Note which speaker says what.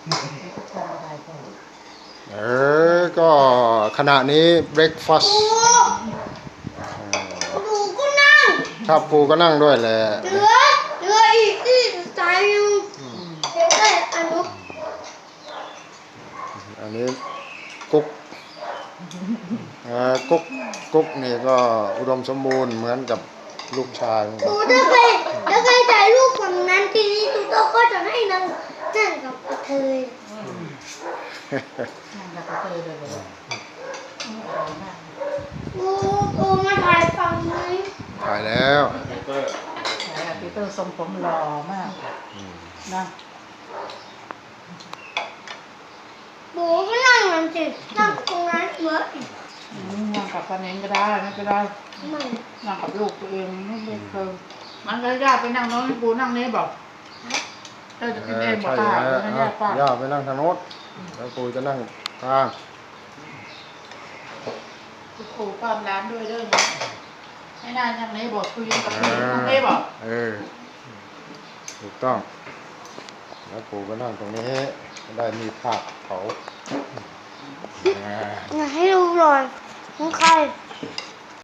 Speaker 1: ก็ขณะนี้เบรคฟาสต์
Speaker 2: ปูก็นั่ง
Speaker 1: ครับปูก็นั่งด้วยแหละ
Speaker 2: เหลืออีกที่สายอยู่เดี๋ยวได้
Speaker 1: อันนี้กุ๊กกุ๊กกุ๊กนี่ก็อุดมสมบูรณ์เหมือนกับลูกชาย
Speaker 2: ปูถ้าใครถ่ายรูปฝั่งนั้นทีนี้ตูโต้ก็จะให้นั่งกับกระเทย
Speaker 3: นั่งกับกระเทยเลย
Speaker 2: ปูมาถ่ายฝั่งนี้
Speaker 1: ถ่ายแล้ว
Speaker 3: ปีเตอร์ทรงผมหล่อมากนะ
Speaker 2: ปูก็นั่งนั่นสินั่งตรงนั้นเหมือน
Speaker 3: นั่งกับป้าเน้นก็ได้ไม่เป็นไรนั่งกับลูกตัวเองไม่เป็นเคยมันก็ย่าไปนั่งโน้นปูนั่งนี้บอกเธอจะกินเองบอกป้าไม่ย่าป้า
Speaker 1: ย่าไปนั่งทางโน้นแล้วปูจะนั่งกลาง
Speaker 3: ปูป้ามร้านด้วยเด้อนะให้นานยังนี้บอกคุยกับพี่นั่งนี้บอก
Speaker 1: ถูกต้องแล้วปูก็นั่งตรงนี้ได้มีภาพเขา
Speaker 2: อยากให้ดูหน่อยของใคร